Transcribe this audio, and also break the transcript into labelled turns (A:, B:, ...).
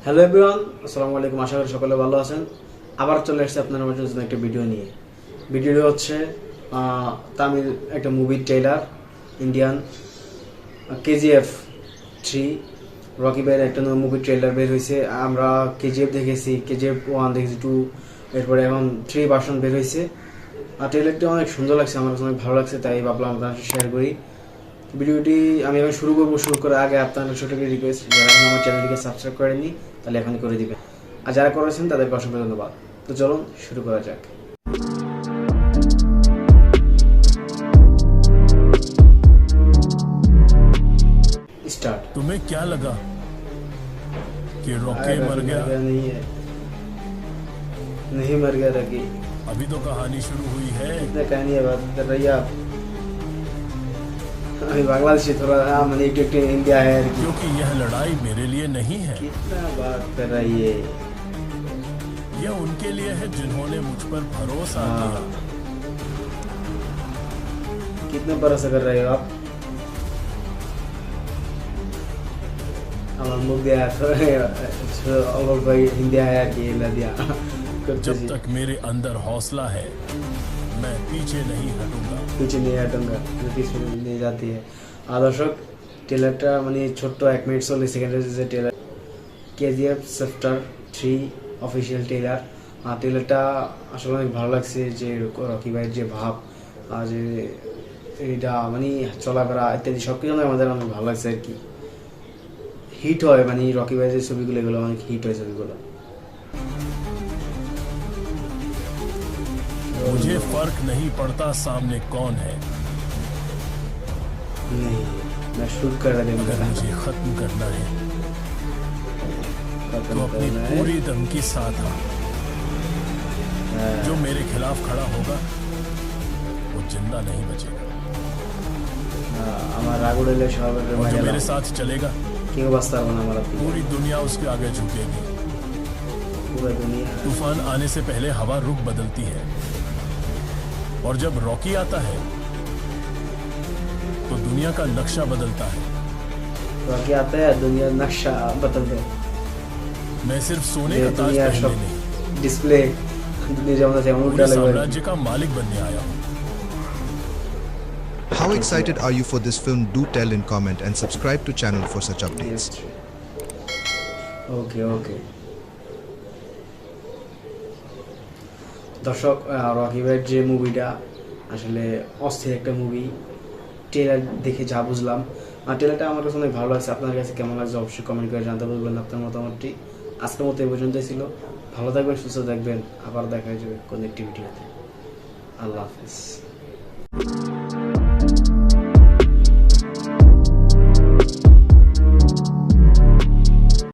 A: Hello everyone, আসসালামু আলাইকুম। আশা করি সকলে ভালো আছেন। আবার চলে এসেছে আপনার জন্য একটা ভিডিও নিয়ে। ভিডিওটি হচ্ছে তামিল একটা মুভির ট্রেলার, ইন্ডিয়ান কেজিএফ 3। রকি ভাইয়ের একটা মুভির ট্রেলার বের হয়েছে। আমরা কেজিএফ দেখেছি, কেজিএফ 1 দেখেছি, 2, এরপরে এখন 3 ভার্সন বের হয়েছে। আর ট্রেলারটি অনেক সুন্দর লাগছে, আমার কাছে অনেক ভালো লাগছে, তাই ভাবলাম আপনার সাথে শেয়ার করি। ভিডিওটি আমি এখন শুরু করার আগে আপনাদের ছোট একটা রিকোয়েস্ট, যারা এখন আমার চ্যানেলটিকে সাবস্ক্রাইব করেননি তাহলে এখনই করে দিবেন, আর যারা করেছেন তাদেরকে অসংখ্য ধন্যবাদ। তো চলুন শুরু করা যাক। स्टार्ट।
B: तुम्हें क्या लगा कि रॉकी मर गया?
A: नहीं मर गया रॉकी।
B: अभी तो कहानी शुरू हुई है।
A: कितना कहानी है बात कर रही है आप? अभी बांग्लादेशी थोड़ा मैंने एक इंडिया है,
B: क्योंकि यह लड़ाई मेरे लिए नहीं है,
A: कितना बात कर रही है।
B: यह उनके लिए है जिन्होंने मुझ पर भरोसा किया।
A: कितना भरोसा कर रहे हो आप? আমার মুখ দিয়ে অগল ভাই হিন্দি আয়া কি লা দিয়া।
B: जब तक मेरे अंदर हौसला है मैं पीछे नहीं हटूंगा।
A: पीछे नहीं हटूंगा, पीछे नहीं जाती है। দর্শক, ট্রেলারটা মানে ছোট্ট 1 মিনিট 40 সেকেন্ডের যে trailer, KGF chapter 3 official trailer. ট্রেলারটা আসলে অনেক ভালো লাগছে, যে রকি ভাইয়ের যে ভাব, আর যে এইটা মানে চলাফেরা ইত্যাদি সব কিছু আমাদের অনেক ভালো লাগছে আর কি। হিট হয় মানে রকি ভাইয়ের যে ছবিগুলো, এগুলো অনেক হিট হয় ছবিগুলো।
B: मुझे फर्क नहीं पड़ता सामने कौन है,
A: नहीं मैं शूट कर रहा
B: अगर मुझे खत्म करना है तो अपनी पूरी दम के साथ आ। जो मेरे खिलाफ खड़ा होगा वो जिंदा नहीं बचेगा, और जो मेरे साथ चलेगा पूरी दुनिया उसके आगे झुकेगी।
A: पूरा दुनिया
B: तूफान आने से पहले हवा रुख बदलती है, और जब रॉकी आता है तो दुनिया का नक्शा बदलता है।
A: रॉकी आता है, दुनिया नक्शा बदल दे।
B: मैं सिर्फ सोने का ताज पहनने नहीं,
A: डिस्प्ले
B: पूरे साम्राज्य का मालिक बनने आया हूँ।
C: How excited are you for this film? Do tell in comment and subscribe to channel for such updates.
A: Okay, okay. দর্শক, রকি ভাইয়ের যে মুভিটা আসলে অস্থির একটা মুভি। ট্রেলার দেখে যা বুঝলাম, ট্রেলারটা আমার কাছে অনেক ভালো লাগছে। আপনার কাছে কেমন লাগছে অবশ্যই কমেন্ট করে জানতে বলবেন আপনার মতামতটি। আজকের মতো এই পর্যন্তই ছিল। ভালো থাকবেন, সুস্থ থাকবেন, আবার দেখা যাবে কোন একটি ভিডিওতে। আল্লাহ হাফেজ।